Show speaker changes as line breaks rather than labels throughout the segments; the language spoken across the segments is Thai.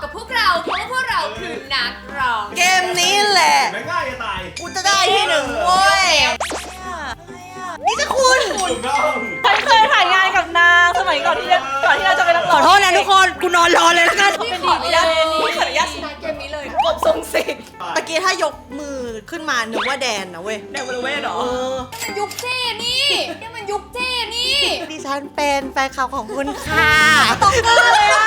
กับพวกเราเพราะว่าพวกเราคือนักร้อง
เกมนี้แหละ
ไม่ง่ายจะตาย
กูจะได้ที่หนึ่งเว้ยนี่จะคุณ
ถูกต้อง
ฉันเคยถ่ายงานกับนางสมัยก่อนที่เราจะไปรับ
ขอโทษนะทุกคนกูนอนรอเลยแล้วกัน
เป็นดีเจนี่
ขออนุญาตชนะเกมนี้เลย
กบทรงสิทธิ์ตะกี้ถ้ายกมือขึ้นมานึกว่าแดนนะเว้ย
แดงบริเวณเหรอ
มันยุคเจ้นี่นี่มันยุคเจ้นี่
ดิฉันเป็นแฟนคลับของคุณค่ะ
ตกเกอร์เลยอะ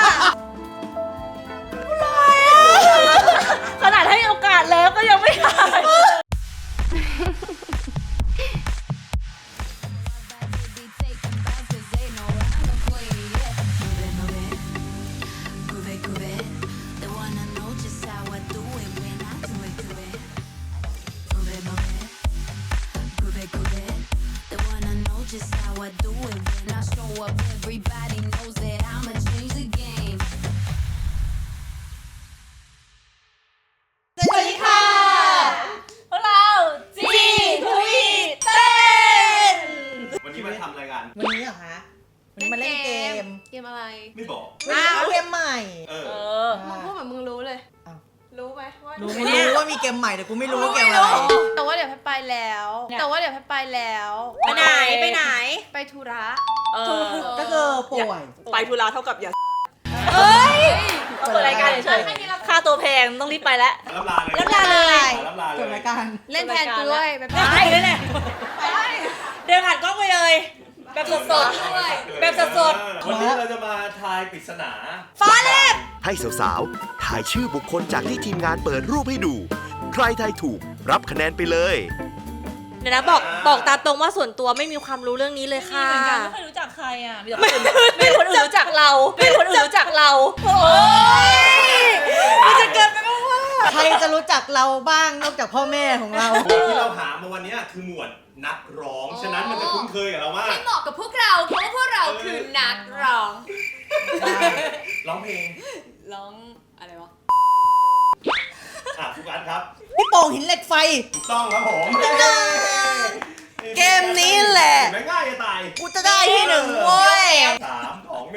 ขนาดให้โอกาสแล้วก็ยังไม่ถ่าย
Just how I do it when I show up. Everybody knows that I'ma change the game.
สวัสดีค่ะ
พวกเราจีทุยเต้น
วันนี้มาทำอะไรกัน
วันนี้เหรอคะวันนี้มาเล่นเกม
เกมอะไร
ไม่บอก
เกมใหม่
เอ
เอ
อ
อ
มึงพูดเหมือนมึงรู้เลย
อ้าว
รู้ไหมว่า
รู้ไม่รู้ว่ามีเกมใหม่แต่กูไม่รู้ว่าเกมอะไร
แต่ว่าเดี๋ยวไปแล้ว แต่ว่าเดี๋ยวไปแล้ว
ไปไหนไปไหน
ไปธุระ
ก็คือป่วย
ไปธุระเท่ากับอย่าเฮ้ยเปิดรายการเฉยๆค่าตัวแพงต้องรีบไปแล้ว
รับลาเลย
รับลาเลย
รับลาเล
จบ
ย
รายการ
เล่นแทนกูด้วยแบบ
ไปเลยเนี่ยเดินผ่านกล้องไปเลยแบบสดๆแบบสด
วันนี้เราจะมาทายปริศนา
ฟ้าแลบ
ให้สาวๆ ถ่ายชื่อบุคคลจากที่ทีมงานเปิดรูปให้ดู ใครทายถูกรับคะแนนไปเลย
เดี๋ยวนะบอกตามตรงว่าส่วนตัวไม่มีความรู้เรื่องนี้เลยค่ะ
เหมือนกันไม่เคยรู้จักใครอ่ะมีคนอื่นรู้จักเรามีคนอื่นรู้จักเราโอ้ยมันจะเกินไปมากว่า
ใครจะรู้จักเราบ้างนอกจากพ่อแม่ของเรา
หมวดที่เราหามาวันนี้คือหมวดนักร้อง ฉะนั้นมันจะคุ้นเคยกับเรามาก
ให้เหมาะกับพวกเราเพราะว่าพวกเราคือนักร้อง
ร้องเพลง
ร้องอะไรวะ
ทุกอันครับ
พี่โป่งหินเหล็กไฟ
ถูกต้องครับผม
เกมนี้แหละ
ไม่ง่ายจะตาย
กูจะได้ที่หนึ่งเว้ย
3 2 1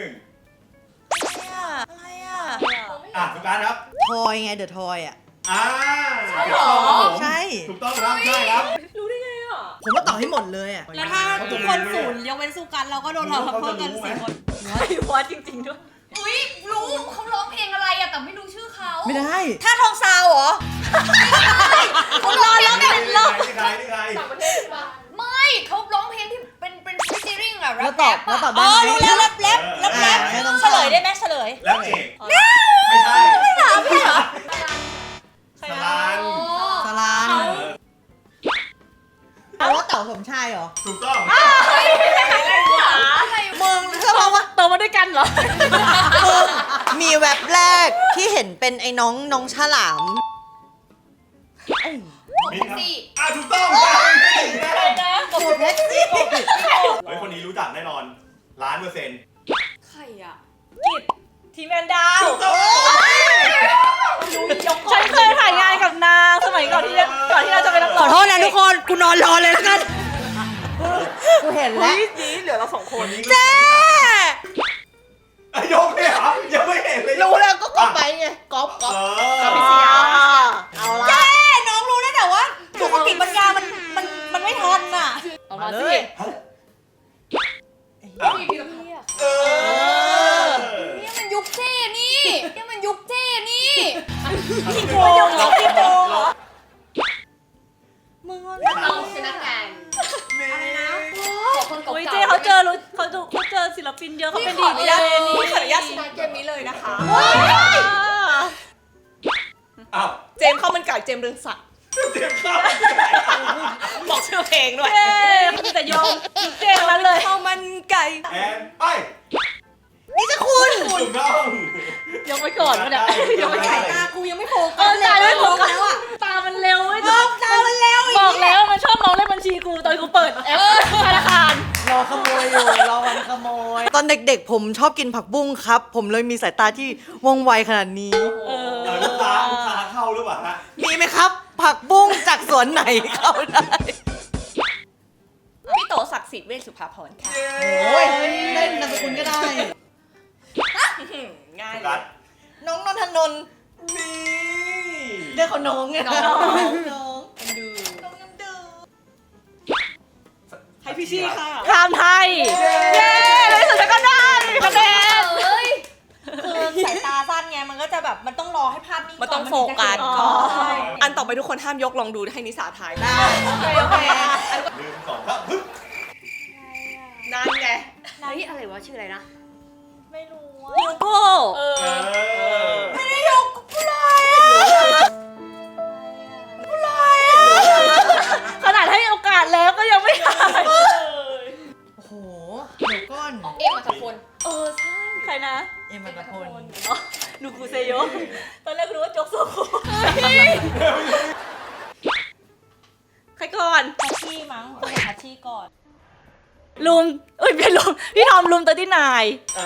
อะไรอ่ะ
ทุกอันครับ
ทอยไงเดอะทอยอ่ะ
ใช่หรอ
ใช่
ถูกต้องครับใช่ครับ
รู้ได้ไงอ่ะ
ผมก็ต่อให้หมดเลยอ่ะ
แล้วถ้าทุกคนศูนย์ยกเว้นสุกันเราก็โดนเราเพิ่มกัน4 คน
ไอ้วอดจริงๆด้วย
อุ้ยรู้เขาร้องเพลงอะไรอะแต่ไม่รู้ชื่อเขา
ไม่ได้
ถ้าทองซาวเหรอ
เขาร้องแล้วเป็นร้อง
นี่ใครนี่ใคร
ไม่เขาร้องเพลงที่เป็นฟิชเจอริงอะ
แล้วตอบได้
อ๋อ
ไหม
รู้แล้วรับแรป
ไม่ต้อง
เฉลยได้ไหมเฉลย
แล้วเอกไม่ใช่ไม่ถามพี่เหรอสลัน
สลานแต่ว่าเต่าสมชายเหรอ
ถูกต้อง
มึงเชื่อป่าวว่า
โตมาด้วยกันเหรอ
มีแว็บแรกที่เห็นเป็นไอ้น้องฉลาม
มีครับถูกต้อง
โคตรแท็กซี่
เฮ้ยคนนี้รู้จักแน่นอน1,000,000%
ใครอะ
ทีมแมนดาว
ถูกต้อง
ฉันเคยถ่ายงานกับนางสมัยก่อนที่เราจะไปรับ
ขอโทษนะทุกคนกูนอนรอเลยแล้วกันกูเห็นแล้ว
ดีเหลือเรา2 คน
เจ๊
ยกเลยเหรอยังไม่เห็นเลย
รู้แล้วก็กอบไปไงกอบ เอาละ
น้องรู้ได้แต่ว่าสุขกิจปัญญามันไม่ทันน่ะ
เอามาสิ
นี่มันยุคเจ้นี่นี่มันยุคเจ้นี่
พี่โกงเหรอพี่โกงเหรอ
มึงว่า
เราชนะกันอะไรนะขอคนเก่า
อุ้ย
ๆ
เจ๊เขาเจอศิลปินเยอะเขาเป็นดีเจนี่
ขออนุญาตชนะเกมนี้เลยนะคะ
อ้าว
เจมส์ข้าวมันไก่เจมส์เรืองศักดิ์
เตรียมข้าว
บอกชื่อเพลงด้วย
เจ๊เขามีแต่ยงเจ๊นั้นเลย
ข้าวมันไก่
แอนไป
นี่จะคุณ
ถูกต้อง
ยกไว้ก่อนวะเนี่ยยกไว้ก่อน
ตากูยังไม่โฟ
เอ
กั
อ
สเลย
ตาไม่โฟกัส
แล้วอ่ะ
ตามันเร็วเว้ย
ตามันแล้วอีก
บอกแล้วมันชอบมองเลขบัญชีกูตอนกูเปิดแอปธนาคาร
รอขโมยอยู่รอวันขโมย ตอนเด็กๆ ผมชอบกินผักบุ้งครับ ผมเลยมีสายตาที่ว่องไวขนาดนี้
ลูกค้าเข้าหรือเปล่าฮะ
มีไหมครับ ผักบุ้งจากสวนไหนเข้าได้
พี่โตศักดิ์สิทธิ์เวชสุภาพรค่ะ
โอ้ยเล่นนามสกุลก็ได้
ง่าย
โฟ
เล
กั
ย
ส
น้องนนทนนท์
นี่
เรียกเขาน้องไงน้องน้องน้องน้ำดู
ให้พี่ชี่ค่ะข้ามไทย เย้ในที่สุดฉันก็ได้คะแนน
เอ้ย
คือสายตาสั้นไงมันก็จะแบบมันต้องรอให้ภาพนิ่ง
มันต้องโฟกัส
ก่
ก่
อ
อน
ใช่
อันต่อไปทุกคนห้ามยกลองดูให้นิสาทายได้
โอเค
1 2 3ฮึบ
นั่นไง
เฮ้ยอะไรวะชื่ออะไรนะ
ไม่รู้ว่า
ยูโก้
ไม่ได้ยก
ขนาดให้โอกาสแล้วก็ยังไม่ได้
โอ้โหเดี๋ยวก้อน
เอ็มอัตพล
เออใช่ใครนะ
เอ็มอัตพล
อ๋อนูกูเซโยตอนแรกรู้ว่าโจ๊กโซโคใครก่อน
ทัชชี่มั้งคนเห็นทัชชี่ก่อน
ลุมเอ้ยเป็นลุมพี่ทอมลุมตัวที่นาย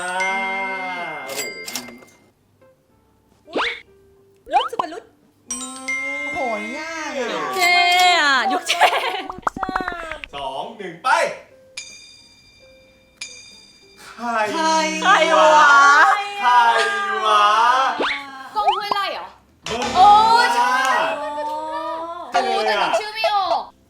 โอ้โห
รุดสุเป็นรุด
โอ้โหยากอ่ะ
เจอ่ะยุคเจ
2 1 ไปใคร
ใครวะ
ใครวะ
กล้องห้วยไร่เหรอ
โอ้ย
แต่นึกชื่อไม่ออก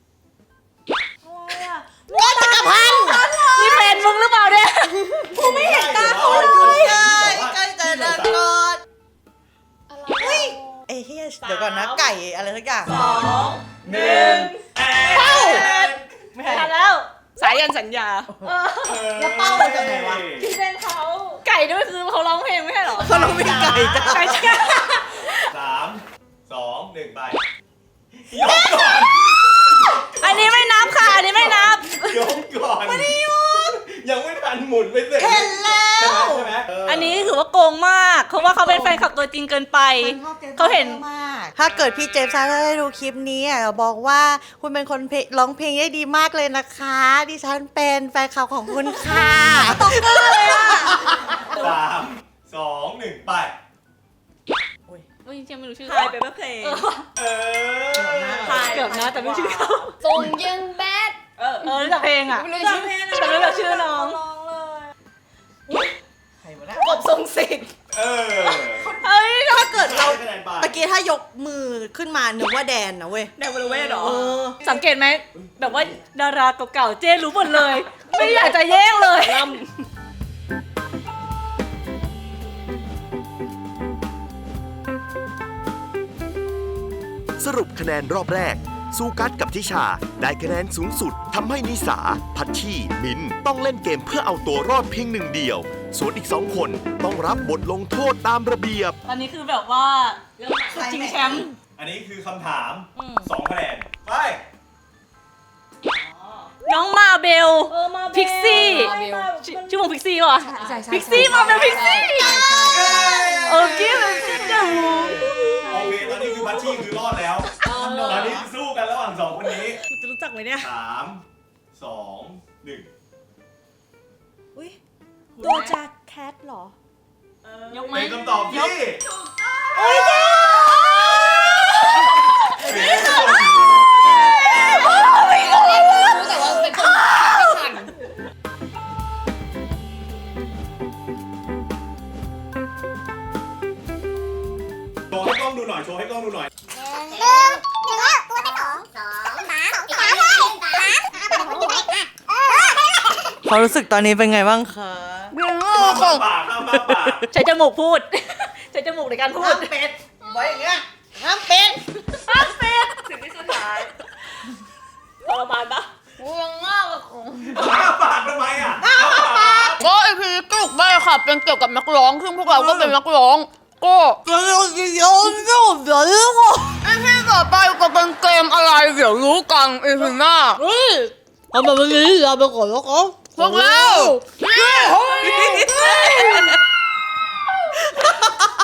นี่แฟนมึงหรือเปล่าเนี่ย
กูไม่เห็นตาเขาเลย
ใกล้จะดันก่อน
อะไร
เอ้ยเฮียเดี๋ยวก่อนนะไก่อะไรสักอย่าง
1เอ้า
ไม่ใช่
ทันแล้ว สายยันสัญญา
แล้วเป้ามาจากไหนวะ
ที่เป็นเขา ไก่ด้วยคือเขาร้องเพลงไม่ใช่เหรอ
เขาต้องมีไก่จ้ะ
ไก่ใช่
3 2 1 ไปยกก่อน
อันนี้ไม่นับค่ะ อันนี้ไม่นับ
ยกก่อนไม่ได้ยกยังไม่ทันหมุนไปเสร็จ
เห็นแล้ว
ใช่ไหม
อันนี้ถือว่าโกงมากเพราะว่าเขาเป็นแฟนคลับตัวจริงเกินไป เขาเห็น
มากถ้าเกิดพี่เจฟซาได้ดูคลิปนี้อ่ะบอกว่าคุณเป็นคนร้องเพลงได้ดีมากเลยนะคะ ดิฉันเป็นแฟนคลับของคุณค่ะตกเกอร์เลยอ่ะ
3 2 1 ไป
จริงๆไม่รู้ชื่อ
ถ่ายไปเพื่อเพลง
เออ
เกือบนะแต่ไม่รู้ชื่อเขา
ทรงยังแบด
รู้จักเพลงอ่ะ
ไม่รู้ชื่อ
แต่ไม่รู้จักชื่อน้อง
ร้องเลย
ใครวะเนี่ย
กบทรงสิทธิ์
เออ
เฮ้ย
ถ้าเกิดเรา
ให้คะแนนไป
ตะกี้ถ้ายกมือขึ้นมานึกว่าแดนนะเว้ย
แดนบริเวณเหรอ
เออ
สังเกตไหมแบบว่าดาราเก่าๆเจ้รู้หมดเลย ไม่อยากจะแย่งเลย
สรุปคะแนนรอบแรก ซูกัสกับทิชาได้คะแนนสูงสุดทำให้นิสา พัชชีมินต้องเล่นเกมเพื่อเอาตัวรอดเพียงหนึ่งเดียว ส่วนอีก 2 คนต้องรับบทลงโทษตามระเบียบ
ตอนนี้คือแบบว่าจริงแชมป์
อันนี้คือคำถาม 2 คะแนน ไป
น้องมาเบล พิกซี่
มาเบล
ชื่อวงพิกซี่ป่ะ
ใช่ใช่
พิกซี่มาเบลพิกซี่โอเคเลยจ้า
โอเค ตอนนี้คือพัชชี่คือรอดแล้ว ตอนนี้สู้กันระหว่าง 2 คนนี้
กูจะรู้จักไหมเนี่ย
3 2 1
ตัวจากแคทเหรอ
ยกไหม
เป็นคำตอบที่
โอ้ยเจ๊
ไม่รู้แต่ว่าเป็นคนขัน
โชว์ให้กล้องดูหน่อย โชว์ให้กล้องดูหน่อย
ความรู้สึกตอนนี้เป็นไงบ้างคะ
ข้ามปากข้ามปาก
ใช้จมูกพูด ใช้จมูกในการพูด
เป็ดไว้อย่างเงี้ยห้ามเป็ด
สิ่งที่สุดท้ายทรมานปะ
กูยังงอกกับของ
ข้ามปากทำไมอ่ะข้ามปาก
ก็ไอพีก็ถูกได้ค่ะเป็นเกี่ยวกับนักร้องซึ่งพวกเราก็เป็นนักร้องก็ไอพีต่อไปก็เป็นเกมอะไรเดี๋ยวรู้กันไอพีหน้าทำแบบนี้เราไปก่อนแล้วก็พวกเรา